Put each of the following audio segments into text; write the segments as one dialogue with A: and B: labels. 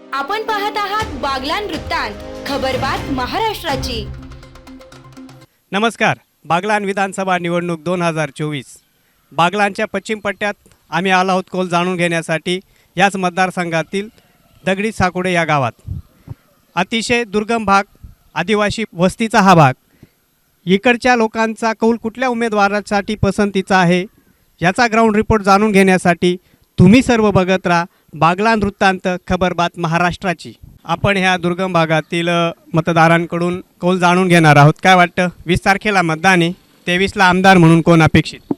A: आपण पाहत आहात बागलान वृत्तांत, खबरबात महाराष्ट्राची.
B: नमस्कार. बागलान विधानसभा निवडणूक 2024. बागलानच्या पश्चिम पट्ट्यात आम्ही आलो आहोत कौल जाणून घेण्यासाठी. याच मतदारसंघातील दगडी साकोडे या गावात अतिशय दुर्गम भाग, आदिवासी वस्तीचा हा भाग. इकडच्या लोकांचा कौल कुठल्या उमेदवारासाठी पसंतीचा आहे याचा ग्राउंड रिपोर्ट जाणून घेण्यासाठी तुम्ही सर्व बघत राहा बागलान वृत्तांत, खबरबात महाराष्ट्राची. आपण ह्या दुर्गम भागातील मतदारांकडून कौल जाणून घेणार आहोत. काय वाटतं, 20 तारखेला मतदान आहे, 23ला आमदार म्हणून कोण अपेक्षित?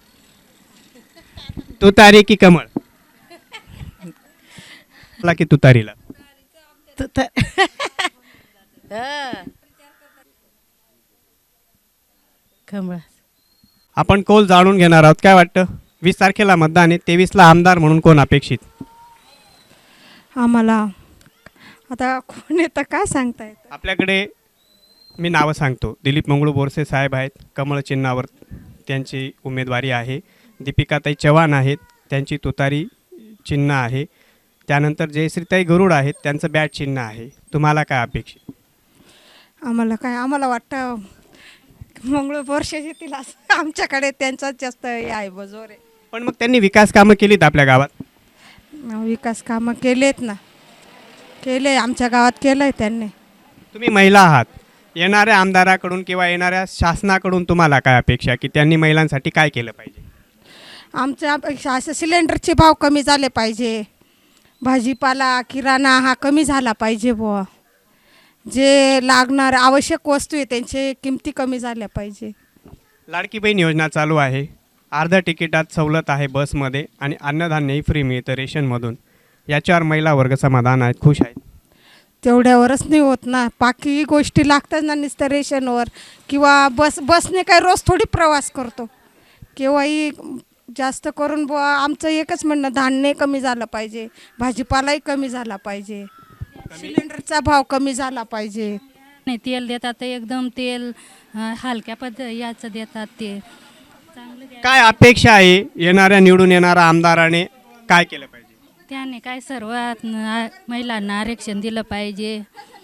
B: तुतारी की कमळ? की तुतारीला?
C: कमळ.
B: आपण कौल जाणून घेणार आहोत. काय वाटतं, 20 तारखेला मतदान आहे, 23ला आमदार म्हणून कोण अपेक्षित?
C: आम्हाला आता कोण येतं काय सांगता येतं.
B: आपल्याकडे मी नावं सांगतो. दिलीप मंगळू बोरसे साहेब आहेत, कमळ चिन्हावर त्यांची उमेदवारी आहे. दीपिकाताई चव्हाण आहेत, त्यांची तुतारी चिन्ह आहे. त्यानंतर जयश्रीताई गरुड आहेत, त्यांचं बॅट चिन्ह आहे. तुम्हाला काय अपेक्षित?
C: आम्हाला वाटतं मंगळ वर्ष येतील असं. आमच्याकडे त्यांचाच जास्त हे आहे, बजोर आहे.
B: पण मग त्यांनी विकास कामं केलीत आपल्या गावात?
C: विकास कामं केलेत ना, केले आमच्या गावात केलं आहे त्यांनी.
B: तुम्ही महिला आहात, येणाऱ्या आमदाराकडून किंवा येणाऱ्या शासनाकडून तुम्हाला काय अपेक्षा की त्यांनी महिलांसाठी काय केलं पाहिजे?
C: आमच्या अपेक्षा असं सिलेंडरचे भाव कमी झाले पाहिजे, भाजीपाला किराणा हा कमी झाला पाहिजे बुवा. जे लागणार आवश्यक वस्तू आहे त्यांचे किमती कमी झाल्या पाहिजे.
B: लाडकी बहीण योजना चालू आहे, अर्ध्या तिकिटात सवलत आहे बसमध्ये आणि अन्नधान्यही फ्री मिळतं रेशनमधून. याच्यावर महिला वर्ग समाधान आहेत, खुश आहेत?
C: तेवढ्यावरच नाही होत ना, बाकी गोष्टी लागतात ना नुसतं रेशनवर. किंवा बसने काय रोज थोडी प्रवास करतो. केव्हाही जास्त करून बुवा आमचं एकच म्हणणं, धान्य कमी झालं पाहिजे, भाजीपालाही कमी झाला पाहिजे, सिलेंडरचा भाव कमी झाला पाहिजे.
D: नाही, तेल देतात ते एकदम तेल हलक्या याचं देतात ते चांगलं.
B: काय अपेक्षा आहे येणाऱ्या निवडून येणाऱ्या आमदाराने काय केलं पाहिजे?
D: त्याने काय सर्वात महिलांना आरक्षण दिलं पाहिजे,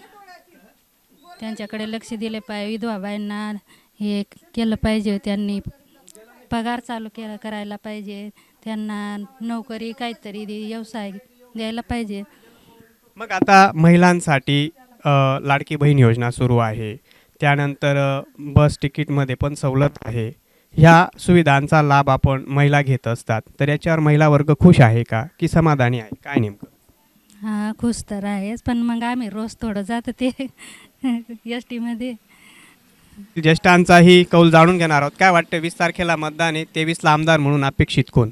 D: त्यांच्याकडे लक्ष दिले पाहिजे. विधवा बाईंना हे केलं पाहिजे, त्यांनी पगार चालू करायला पाहिजे, त्यांना नोकरी काहीतरी व्यवसाय द्यायला पाहिजे.
B: मग आता महिलांसाठी लाडकी बहीण योजना सुरू आहे, त्यानंतर बस तिकीटमध्ये पण सवलत आहे. ह्या सुविधांचा लाभ आपण महिला घेत असतात, तर याच्यावर महिला वर्ग खुश आहे का की समाधानी आहे, काय नेमकं?
D: हां, खुश तर आहेच, पण मग आम्ही रोज थोडं जातं ते एस टीमध्ये.
B: ज्येष्ठांचाही कौल जाणून घेणार आहोत. काय वाटतं, 20 तारखेला मतदान आहे, 23ला आमदार म्हणून अपेक्षित कोण?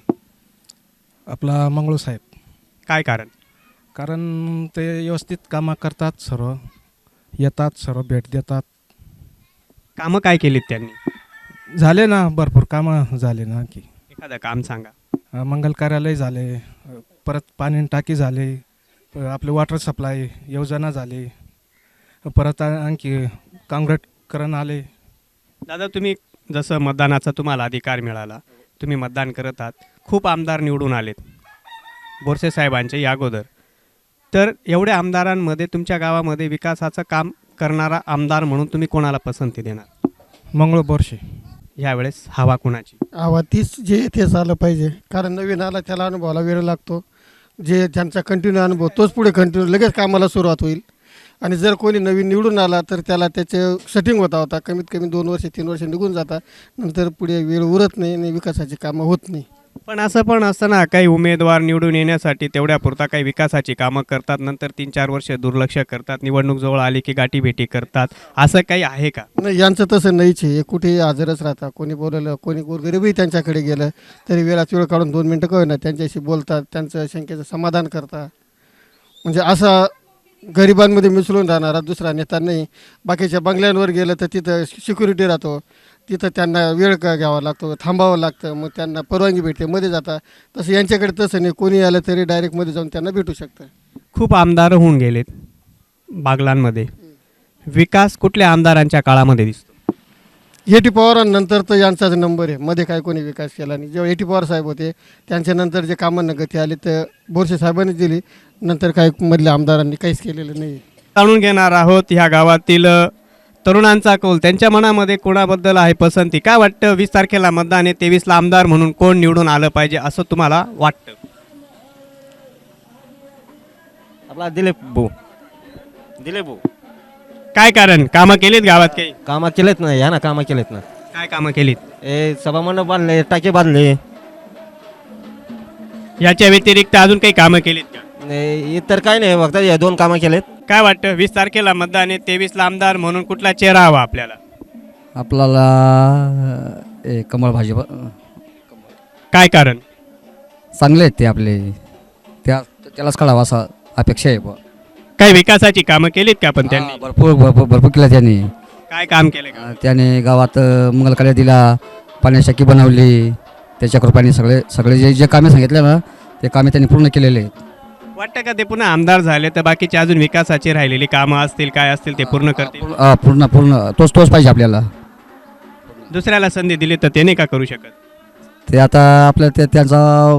E: आपला मंगळू साहेब.
B: काय कारण?
E: कारण ते व्यवस्थित कामं करतात, सर्व येतात, सर्व भेट देतात.
B: कामं काय केलीत त्यांनी?
E: झाले ना, भरपूर कामं झाले ना. की
B: एखादं काम सांगा.
E: मंगल कार्यालय झाले, परत पाणी टाकी झाले, आपले वॉटर सप्लाय योजना झाली, परत आणखी काँक्रीटकरण आले.
B: दादा, तुम्ही जसं मतदानाचा तुम्हाला अधिकार मिळाला, तुम्ही मतदान करत आहात, खूप आमदार निवडून आलेत बोरसे साहेबांचे या अगोदर. तर एवढ्या आमदारांमध्ये तुमच्या गावामध्ये विकासाचं काम करणारा आमदार म्हणून तुम्ही कोणाला पसंती देणार?
E: मंगळू बोरसे.
B: यावेळेस हवा कुणाची?
F: हवा तीच जे तेच आलं पाहिजे, कारण नवीन आला त्याला अनुभवाला वेळ लागतो. जे ज्यांचा कंटिन्यू अनुभव तोच पुढे कंटिन्यू लगेच कामाला सुरुवात होईल. आणि जर कोणी नवीन निवडून आला तर त्याला त्याचे सेटिंग होता कमीत कमी 2 वर्ष 3 वर्ष निघून जातात, नंतर पुढे वेळ उरत नाही आणि विकासाची कामं होत नाही.
B: पण असं पण असतं ना, काही उमेदवार निवडून येण्यासाठी तेवढ्यापुरता काही विकासाची कामं करतात, नंतर 3-4 वर्ष दुर्लक्ष करतात, निवडणूक जवळ आली की गाठीभेटी करतात. असं काही आहे का?
F: नाही, यांचं तसं नाहीच आहे. कुठेही हजरच राहतात. कोणी बोलवलं, कोणी गोरगरीबही त्यांच्याकडे गेलं तरी वेळात वेळ काढून 2 मिनटं कळलं त्यांच्याशी बोलतात, त्यांचं शंकेचं समाधान करतात. म्हणजे असा गरिबांमध्ये मिसळून राहणारा दुसरा नेता नाही. बाकीच्या बंगल्यांवर गेलं तर तिथं सिक्युरिटी राहतो, तिथं त्यांना वेळ घ्यावा लागतो, थांबावं लागतं, मग त्यांना परवानगी भेटते, मध्ये जातात. तसं यांच्याकडे तसं नाही, कोणी आलं तरी डायरेक्ट मध्ये जाऊन त्यांना भेटू शकतं.
B: खूप आमदार होऊन गेलेत बागलांमध्ये, विकास कुठल्या आमदारांच्या काळामध्ये दिसतो?
F: एटी पवारांनंतर तर यांचाच नंबर आहे. मध्ये काय कोणी विकास केला नाही. जेव्हा एटी पवार साहेब होते त्यांच्यानंतर जे कामांना गती आली तर बोरसे साहेबांनी दिली. नंतर काय मधल्या आमदारांनी काहीच केलेलं नाही.
B: जाणून घेणार आहोत ह्या गावातील तरुणांचा कौल. त्यांच्या मनामध्ये कोणाबद्दल आहे पसंती. काय वाटतं 20 तारखेला मतदान आहे, 23ला आमदार म्हणून कोण निवडून आलं पाहिजे असं तुम्हाला वाटतं?
G: आपला दिलीप भाऊ
B: काय कारण? कामं केलीत गावात काही?
G: कामं केलेत ना, या ना कामं केलेत ना.
B: काय कामं केलीत?
G: सभामंडप बांधले, टाके बांधले.
B: याच्या व्यतिरिक्त अजून काही कामं केलीत का?
G: इतर काय नाही, फक्त हे 2 कामं केलेत.
B: काय वाटतं 20 तारखेला मतदान आहे, 23ला आमदार म्हणून कुठला चेहरा हवा आपल्याला?
H: आपल्याला कमळ भाजप
B: काय कारण?
H: चांगले आहेत ते आपले, त्यालाच कळावं असं अपेक्षा आहे.
B: काही विकासाची कामं केलीत का पण त्यांनी?
H: भरपूर केलं त्यांनी.
B: काय काम केलं का?
H: त्याने गावात मंगलकार्य दिला, पाण्याची टाकी बनवली. त्याच्या कृपाने सगळे जे कामे सांगितले ना ते कामे त्यांनी पूर्ण केलेले आहेत.
B: वाटतं का ते पुन्हा आमदार झाले तर बाकीची अजून विकासाची राहिलेली कामं असतील काय असतील ते पूर्ण करतील?
H: पूर्ण तोच पाहिजे आपल्याला.
B: दुसऱ्याला संधी दिली तर ते नाही का करू शकत?
H: ते आता आपल्या त्यांचा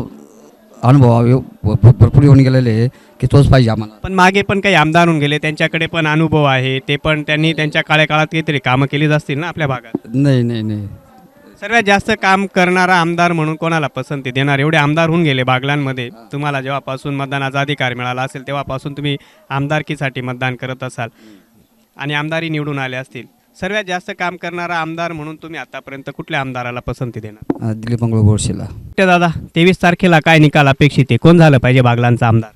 H: अनुभव भरपूर येऊन गेलेले आहे की तोच पाहिजे आम्हाला.
B: पण मागे पण काही आमदार होऊन गेले, त्यांच्याकडे पण अनुभव आहे, ते पण त्यांनी त्यांच्या काळात काहीतरी कामं केलीच असतील ना आपल्या भागात.
H: नाही
B: सर्वात जास्त काम करणारा आमदार म्हणून कोणाला पसंती देणार? एवढे आमदार होऊन गेले बागलांमध्ये. तुम्हाला जेव्हापासून मतदानाचा अधिकार मिळाला असेल तेव्हापासून तुम्ही आमदारकीसाठी मतदान करत असाल आणि आमदारी निवडून आले असतील. सर्वात जास्त काम करणारा आमदार म्हणून तुम्ही आतापर्यंत कुठल्या आमदाराला पसंती देणार?
H: दिलीप मंगळ बोरसेला.
B: दादा 23 तारखेला काय निकाल अपेक्षित आहे? कोण झालं पाहिजे बागलांचा आमदार?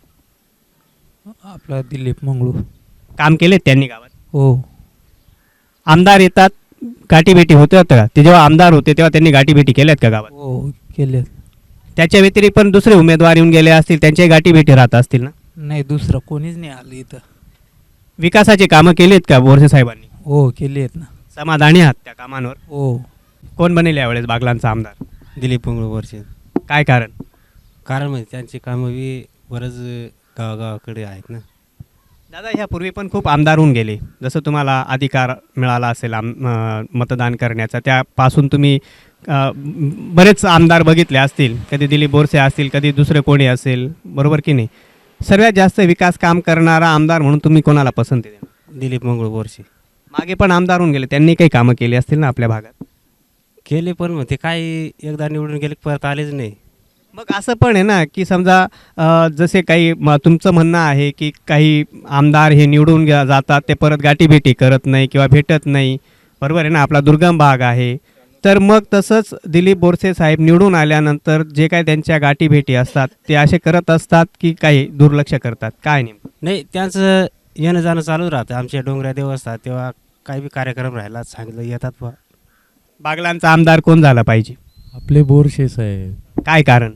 I: आपला दिलीप मंगळू.
B: काम केलेत त्यांनी गावात?
I: हो.
B: आमदार येतात, गाठीभेटी होते होतं का? ते जेव्हा आमदार होते तेव्हा त्यांनी गाठीभेटी केल्यात का गावात?
I: हो केले.
B: त्याच्या व्यतिरिक्त पण दुसरे उमेदवार येऊन गेले असतील, त्यांच्याही गाठीभेटी राहत असतील ना?
I: नाही, दुसरं कोणीच नाही आलं इथं.
B: विकासाचे कामं केलीत का बोरसे साहेबांनी?
I: हो केले आहेत ना.
B: समाधानी आहात त्या कामांवर?
I: हो.
B: कोण बनेल यावेळेस बागलांचा आमदार?
G: दिलीप वर्षे.
B: काय कारण?
G: कारण म्हणजे त्यांची कामं बी बरंच गावागावाकडे आहेत ना.
B: दादा ह्यापूर्वी पण खूप आमदार होऊन गेले. जसं तुम्हाला अधिकार मिळाला असेल मतदान करण्याचा, त्यापासून तुम्ही बरेच आमदार बघितले असतील. कधी दिलीप बोरसे असतील, कधी दुसरे कोणी असेल, बरोबर की नाही? सर्वात जास्त विकास काम करणारा आमदार म्हणून तुम्ही कोणाला पसंती देणार?
G: दिलीप वर्षे.
B: मागे पण आमदार होऊन गेले, त्यांनी काही कामं केली असतील ना आपल्या भागात?
G: केले पण मग ते काय एकदा निवडून गेले परत आलेच नाही.
B: मग असं पण आहे ना की समजा जसे काही तुमचं म्हणणं आहे की काही आमदार हे निवडून जातात, ते परत गाठीभेटी करत नाही किंवा भेटत नाही, बरोबर आहे ना? आपला दुर्गम भाग आहे. तर मग तसंच दिलीप बोरसे साहेब निवडून आल्यानंतर जे काही त्यांच्या गाठीभेटी असतात ते असे करत असतात की काही दुर्लक्ष करतात? काय नेमकं?
G: नाही, त्यांचं येणं जाणं चालूच राहतं. आमच्या डोंगऱ्या देव असतात तेव्हा काही बी कार्यक्रम राहिला सांगितलं येतात बा.
B: बागलांचा आमदार कोण झाला पाहिजे?
I: आपले बोरसे साहेब.
B: काय कारण?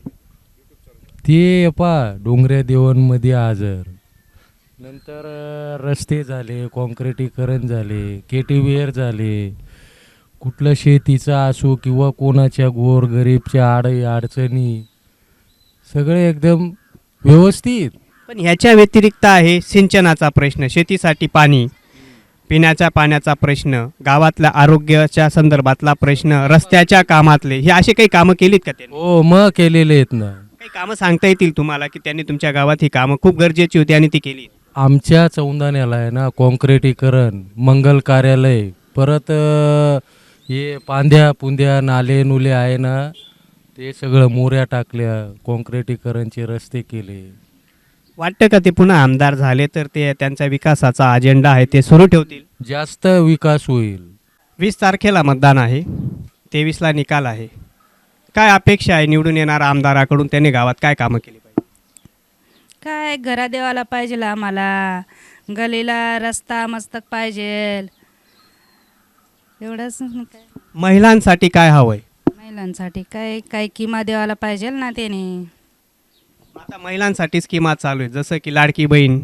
I: ते डोंगऱ्या देवांमध्ये हजर. नंतर रस्ते झाले, कॉन्क्रिटीकरण झाले, केटीवेअर झाले. कुठलं शेतीचं असो किंवा कोणाच्या गोरगरीबच्या अडचणी सगळे एकदम व्यवस्थित.
B: पण ह्याच्या व्यतिरिक्त आहे सिंचनाचा प्रश्न, शेतीसाठी पाणी, पिण्याच्या पाण्याचा प्रश्न, गावातल्या आरोग्याच्या संदर्भातला प्रश्न, रस्त्याच्या कामातले, हे असे काही कामं केलीत का त्यांनी?
I: हो मग केलेले आहेत ना.
B: काही कामं सांगता येतील तुम्हाला की त्यांनी तुमच्या गावात ही कामं खूप गरजेची होती आणि ती केली?
I: आमच्या चौंदाण्याला आहे ना कॉन्क्रिटीकरण, मंगल कार्यालय, परत हे पांद्या पुंद्या नाले नुले आहे ना ते सगळं मोऱ्या टाकल्या, कॉन्क्रिटीकरणचे रस्ते केले.
B: वाटतं का ते पुन्हा आमदार झाले तर ते त्यांचा विकासाचा अजेंडा आहे ते सुरू ठेवतील?
I: जास्त विकास होईल.
B: 20 तारखेला मतदान आहे, 23ला निकाल आहे. काय अपेक्षा आहे निवडून येणाऱ्या आमदाराकडून? त्याने गावात काय कामं केली पाहिजे?
D: काय घरा देवाला पाहिजे आम्हाला, गलीला रस्ता मस्तक पाहिजे, एवढंच. काय
B: महिलांसाठी काय हवंय?
D: महिलांसाठी काय काय किमा देवाला पाहिजे ना त्याने.
B: आता महिलांसाठी स्कीमा चालू आहे, जसं की लाडकी बहीण,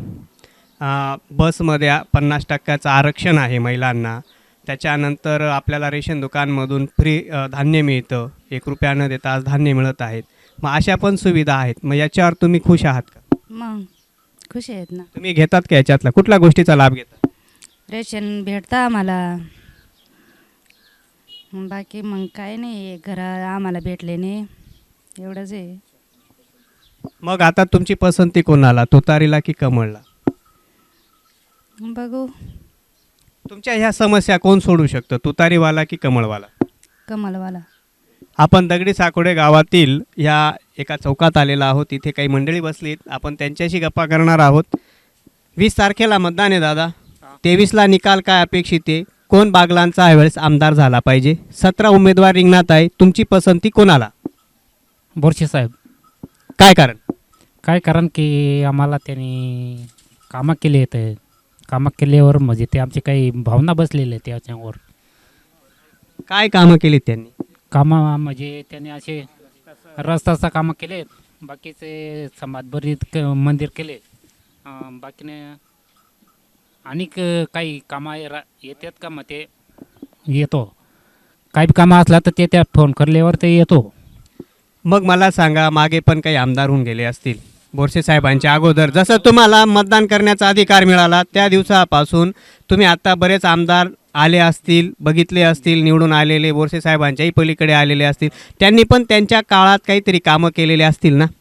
B: बसमध्ये 50% आरक्षण आहे महिलांना. त्याच्यानंतर आपल्याला रेशन दुकानमधून फ्री धान्य मिळतं, 1 रुपया न देता आज धान्य मिळत आहेत. मग अशा पण सुविधा आहेत. मग याच्यावर तुम्ही खुश आहात का?
D: मग खुश आहेत ना.
B: तुम्ही घेतात का याच्यातला कुठल्या गोष्टीचा लाभ घेतात?
D: रेशन भेटतं आम्हाला. बाकी मग काय नाही, घर आम्हाला भेटले नाही, एवढंच आहे.
B: मग आता तुमची पसंती कोणाला, तुतारीला की कमळला?
D: बघू.
B: तुमच्या ह्या समस्या कोण सोडू शकतं, तुतारीवाला की कमळवाला?
D: कमलवाला.
B: आपण दगडी साकोडे गावातील या एका चौकात आलेला आहोत. इथे काही मंडळी बसलीत, आपण त्यांच्याशी गप्पा करणार आहोत. 20 तारखेला मतदान आहे दादा. 23ला निकाल काय अपेक्षित आहे? कोण बागलांचा यावेळेस आमदार झाला पाहिजे? 17 उमेदवार रिंगणात आहे. तुमची पसंती कोणाला?
J: बोरसे साहेब.
B: काय कारण?
J: काय कारण की आम्हाला त्यांनी कामं केली आहेत. कामं केल्यावर म्हणजे ते आमचे काही भावना बसलेले आहेत त्याच्यावर.
B: काय कामं केलीत त्यांनी?
J: कामं म्हणजे त्यांनी असे रस्त्याचं कामं केले आहेत, बाकीचे समाजभरीत मंदिर केले, बाकीने आणि काही कामं येतात का, मग ते येतो. काही बी कामं असला तर ते त्या फोन करल्यावर ते येतो.
B: मग मला सांगा, मागे पण काही आमदार होऊन गेले असतील बोरसे साहेबांच्या अगोदर. जसं तुम्हाला मतदान करण्याचा अधिकार मिळाला त्या दिवसापासून तुम्ही आता बरेच आमदार आले असतील, बघितले असतील, निवडून आलेले बोरसे साहेबांच्याही पलीकडे आलेले असतील. त्यांनी पण त्यांच्या काळात काहीतरी कामं केलेले असतील ना?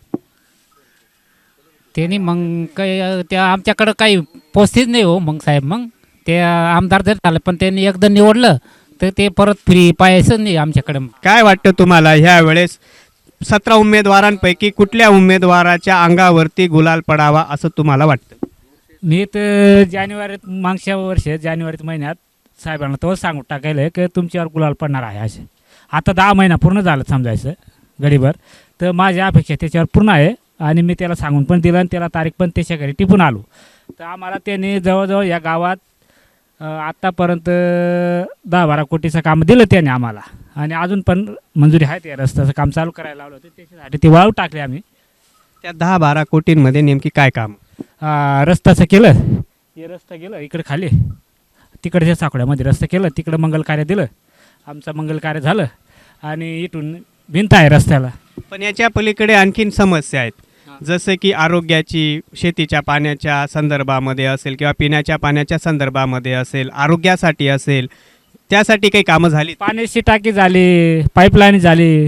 J: त्यांनी मग काही त्या आमच्याकडं काही पोचतीच नाही हो. मग साहेब मग ते आमदार जर झालं पण त्यांनी एकदा निवडलं तर ते परत फ्री पाहायचं नाही आमच्याकडं.
B: काय वाटतं तुम्हाला, ह्या वेळेस 17 उमेदवारांपैकी कुठल्या उमेदवाराच्या अंगावरती गुलाल पडावा असं तुम्हाला वाटतं?
J: मी तर मागच्या वर्षी जानेवारीत महिन्यात साहेबांना तो सांगून टाकायला की तुमच्यावर गुलाल पडणार आहे असे. आता 10 महिना पूर्ण झालं समजायचं गडीभर, तर माझी अपेक्षा त्याच्यावर पूर्ण आहे. आणि मी त्याला सांगून पण दिलं आणि त्याला तारीख पण त्याच्या घरी टिपून आलो. तर आम्हाला त्याने जवळजवळ या गावात आत्तापर्यंत 10-12 कोटीचं काम दिलं त्याने आम्हाला, आणि अजून पण मंजुरी आहे. त्या रस्त्याचं काम चालू करायला लावलं होतं, त्याच्यासाठी ते वाळू टाकले आम्ही.
B: त्या 10-12 कोटींमध्ये नेमकी काय काम?
J: रस्त्याचं केलं, हे रस्ता गेलं इकडे खाली, तिकडच्या साखळ्यामध्ये रस्ता केलं, तिकडं मंगल कार्य दिलं, आमचं मंगल कार्य झालं, आणि इथून भिंत आहे रस्त्याला.
B: पण याच्या पलीकडे आणखीन समस्या आहेत, जसं की आरोग्याची, शेतीच्या पाण्याच्या संदर्भामध्ये असेल किंवा पिण्याच्या पाण्याच्या संदर्भामध्ये असेल, आरोग्यासाठी असेल, त्यासाठी काही कामं झाली?
J: पाण्याची टाकी झाली, पाईपलाईन झाली,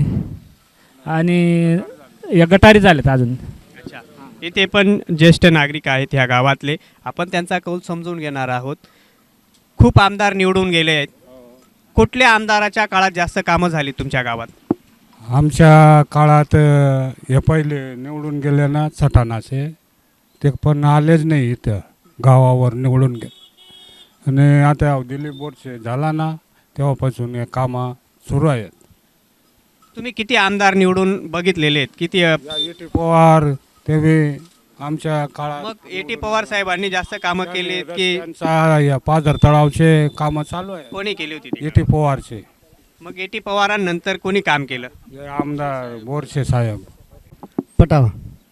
J: आणि या गटारी झाल्यात अजून.
B: अच्छा, इथे पण ज्येष्ठ नागरिक आहेत ह्या गावातले, आपण त्यांचा कौल समजून घेणार आहोत. खूप आमदार निवडून गेले आहेत. कुठल्या आमदाराच्या काळात जास्त कामं झाली तुमच्या गावात?
K: आमच्या काळात हे पहिले निवडून गेले ना सटाणाचे, ते पण आलेच नाही इथं गावावर निवडून गेले. आणि आता दिलीप बोरसे झाला ना तेव्हापासून हे कामं सुरू आहेत.
B: तुम्ही किती आमदार निवडून बघितलेले आहेत? किती?
K: ए.टी. पवार तेव्हा आमच्या काळात.
B: मग ए.टी. पवार साहेबांनी जास्त कामं केली की
K: या पाझर तळावचे कामं चालू आहे.
B: कोणी केली होती ती?
K: ए.टी. पवारचे.
B: मग ए.टी. पवारांनंतर कोणी काम केलं?
K: आमदार बोरसे साहेब.
F: पटावा.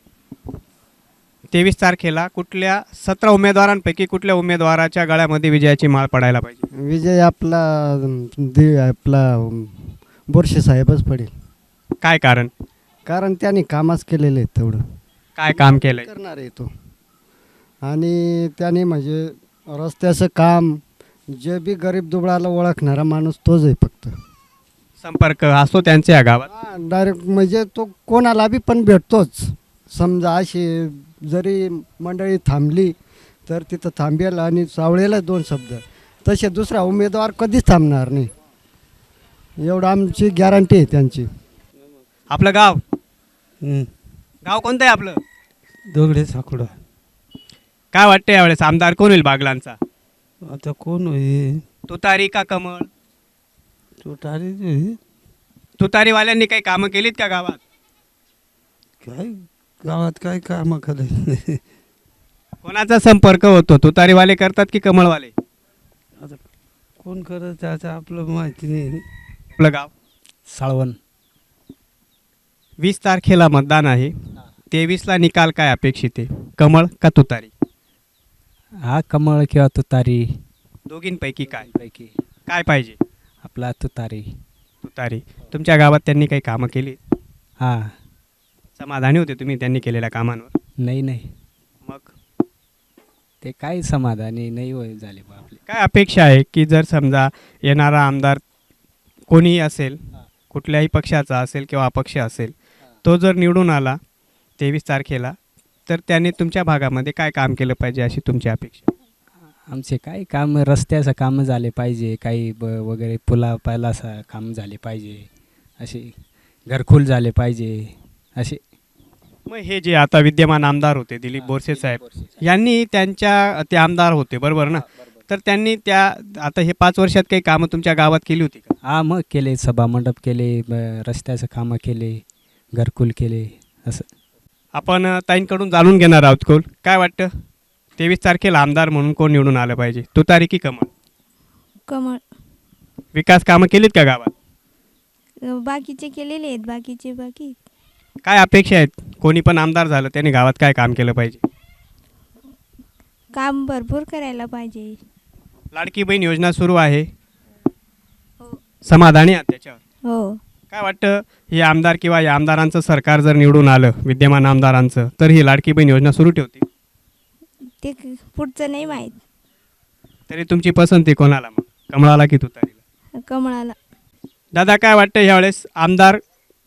B: 23 तारखेला कुठल्या 17 उमेदवारांपैकी कुठल्या उमेदवाराच्या गळ्यामध्ये विजयाची माळ पडायला पाहिजे?
F: विजय आपला बोरसे साहेबच पडेल.
B: काय कारण?
F: कारण त्यांनी कामच केलेले आहेत तेवढं.
B: काय काम केलंय?
F: करणार आहे तो. आणि त्याने म्हणजे रस्त्याचं काम, जे बी गरीब दुबळाला ओळखणारा माणूस तोच आहे फक्त.
B: संपर्क असतो त्यांच्या या गावात?
F: डायरेक्ट म्हणजे तो कोणाला बी पण भेटतोच. समजा अशी जरी मंडळी थांबली तर तिथं थांबेल आणि सावळेला 2 शब्द. तसे दुसरा उमेदवार कधीच थांबणार नाही, एवढं आमची गॅरंटी आहे त्यांची.
B: आपलं गाव? गाव कोणतं आहे आपलं?
L: दगडी साकोडा.
B: काय वाटतं यावेळेस आमदार कोण होईल बागलांचा?
L: आता कोण होईल?
B: तुतारी का कमळ?
L: तुतारी.
B: तुतारीवाल्यांनी काही कामं केलीत का गावात?
L: काय गावात काय कामं करायचं?
B: कोणाचा संपर्क होतो, तुतारीवाले करतात की कमळवाले?
L: आता कोण करत त्याचं आपलं माहिती नाही.
B: आपलं गाव?
J: साळवण.
B: 20 तारखेला मतदान आहे. 23ला निकाल काय अपेक्षित आहे, कमळ का तुतारी?
J: हा, कमळ किंवा तुतारी
B: दोघींपैकी काय
J: पैकी
B: काय पाहिजे?
J: आपला तुतारी.
B: तुतारी. तुमच्या गावात त्यांनी काही कामं केली?
J: हां.
B: समाधानी होते तुम्ही त्यांनी केलेल्या कामांवर?
J: नाही.
B: मग
J: ते काही समाधानी नाही होय झाले बा आपले.
B: काय अपेक्षा आहे की जर समजा येणारा आमदार कोणीही असेल, कुठल्याही पक्षाचा असेल किंवा अपक्ष असेल, तो जर निवडून आला 23 तारखेला, तर त्याने तुमच्या भागामध्ये काय काम केलं पाहिजे अशी तुमची अपेक्षा?
M: आमचे काही काम, रस्त्याचं कामं झाले पाहिजे, काही वगैरे पुला पायलाचं काम झाले पाहिजे, असे घरकुल झाले पाहिजे असे.
B: मग हे जे आता विद्यमान आमदार होते दिलीप बोरसे साहेब, यांनी ते आमदार होते बरोबर ना, तर त्यांनी आता हे 5 वर्षात काही कामं तुमच्या गावात केली होती का?
M: हा, मग केले, सभामंडप केले, रस्त्याचं कामं केले, घरकुल केले असं.
B: आपण ताईंकडून जाणून घेणार आहोत कोल काय वाटतं 23 तारखेला आमदार म्हणून कोण निवडून आलं पाहिजे, तुतारी की कमळ?
N: कमळ.
B: विकास कामं केलीत का गावात?
N: बाकीचे केलेले आहेत, बाकी
B: काय अपेक्षा आहेत, कोणी पण आमदार झालं त्याने गावात काय काम केलं पाहिजे?
N: काम भरपूर करायला पाहिजे.
B: लाडकी बहीण योजना सुरू आहे, समाधानी आहात त्याच्यावर?
N: हो.
B: काय वाटतं हे आमदार किंवा या आमदारांचं सरकार जर निवडून आलं, विद्यमान आमदारांचं, तर ही लाडकी बहीण योजना सुरू ठेवते?
N: ते पुढचं नाही माहीत.
B: तरी तुमची पसंती कोणाला, मग कमळाला की तुतारीला?
N: कमळाला.
B: दादा काय वाटतं यावेळेस आमदार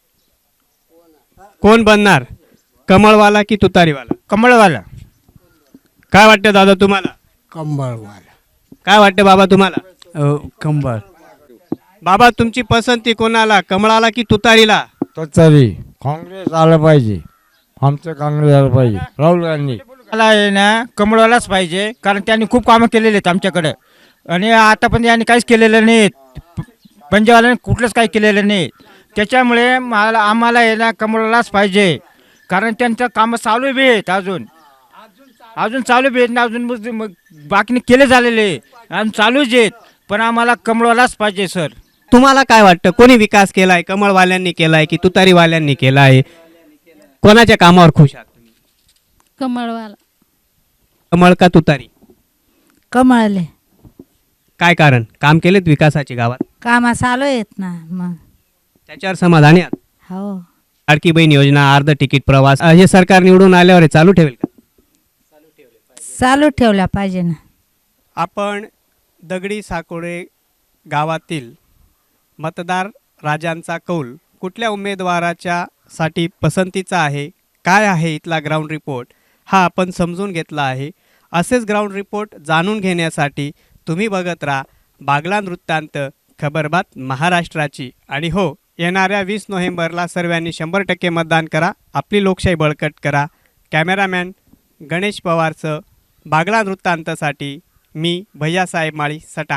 B: कोण बनणार, कमळवाला की तुतारीवाला?
O: कमळवाला.
B: काय वाटतं दादा तुम्हाला?
O: कमळवाला.
B: काय वाटतं बाबा तुम्हाला?
O: कंबळ.
B: बाबा तुमची पसंती कोणाला, कमळाला की तुतारीला?
O: तरी काँग्रेस आलं पाहिजे, आमचं काँग्रेस आलं पाहिजे, राहुल गांधी. मला आहे ना कमळवालाच पाहिजे, कारण त्यांनी खूप कामं केलेले आहेत आमच्याकडं, आणि आता पण यांनी काहीच केलेलं नाही, पंजाबवाल्याने कुठलंच काही केलेलं नाही. त्याच्यामुळे आम्हाला आहे ना कमळवालाच पाहिजे, कारण त्यांचं कामं चालू बी आहेत, अजून चालू बी आहेत ना, अजून बाकीने केले झालेले आणि चालूच आहेत, पण आम्हाला कमळवालाच पाहिजे सर.
B: तुम्हाला काय वाटतं कोणी विकास केलाय, कमळवाल्यांनी केलाय की तुतारीवाल्यांनी केलाय, कोणाच्या कामावर खुश आहात?
D: कमळवाला.
B: कमळ का तुतारी?
D: कमळले.
B: काय कारण, काम केलेत विकासाची गावात?
D: कामा चालू आहेत ना, मग
B: त्याच्यावर समाधानी आहात?
D: हो.
B: लाडकी बहीण योजना, अर्ध तिकीट प्रवास, हे सरकार निवडून आल्यावर हे चालू ठेवेल का?
D: चालू ठेवल्या पाहिजे ना.
B: आपण दगडी साकोडे गावातील मतदार राजांचा कौल कुठल्या उमेदवाराच्या साठी पसंतीचा आहे, काय आहे इथला ग्राउंड रिपोर्ट, हा आपण समजून घेतला आहे. असेच ग्राउंड रिपोर्ट जाणून घेण्यासाठी तुम्ही बघत राहा बागलाण वृत्तांत, खबरबात महाराष्ट्राची. आणि हो, येणाऱ्या 20 नोव्हेंबरला सर्वांनी 100% मतदान करा, आपली लोकशाही बळकट करा. कॅमेरामॅन गणेश पवारचं बागलाण वृत्तांतसाठी मी भैयासाहेब माळी, सटा.